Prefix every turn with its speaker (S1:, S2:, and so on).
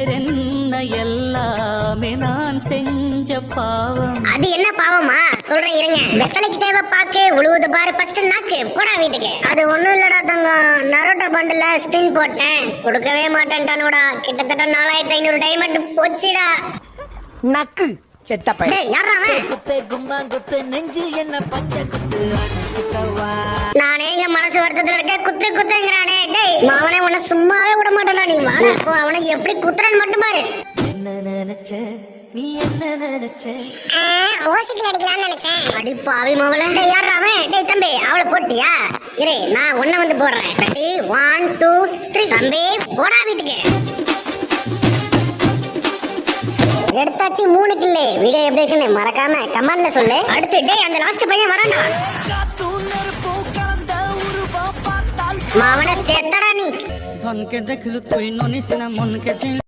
S1: வேறென்ன எல்லாமே நான் செஞ்ச பாவம்.
S2: அது என்ன பாவமா சொல்றேன் இருங்க. வெத்தலைக்கு தேவை பாக்கு, உழுவுது பாரு ஃபர்ஸ்ட் நாக்கு. போடா வீட்டுக்கு. அது ஒண்ணும் இல்லடா தங்கம், நரோட்டோ பண்டில் ஸ்பின் போட்டேன், கொடுக்கவே மாட்டேன்டானுடா. கிட்டத்தட்ட 4500 டைமண்ட் போச்சுடா.
S3: நக்கு செத்த பையன்.
S2: டேய் யாரா அவன்?
S1: குத்து கும்மா குத்து நெஞ்சில் என்ன பச்சை குத்து அடிச்சுக்கவா.
S2: நானே இங்க மனசு வருத்தத்துல இருக்க, குத்து குத்துங்கறானே. டேய் அவனை உன்னை சும்மாவே விட மாட்டானா. நீ வாடா போ, அவனை எப்படி குத்துறான்னு மட்டும் பாரு.
S1: என்ன நினைச்ச நீ என்ன நினைச்ச?
S2: ஓசிக்கல அடிக்கலாம்னு நினைச்சேன். அடி பாவி மவளே. டேய் யாரா அவன்? டேய் தம்பி அவளை போட்டியா? இரு நான் உன்னை வந்து போடுறேன். ரெடி 1 2 3. தம்பி போடா வீட்டுக்கு. எடுத்தாச்சு 3 கில்லு. வீடியோ எப்படி இருக்குன்னு மறக்காம கமெண்ட்ல சொல்லு. அடுத்து டேய் அந்த லாஸ்ட் பையன் வரான்டா. மாவன செத்தடா நீ.
S1: ধনকে দেখলু তুই ননিস না মনকে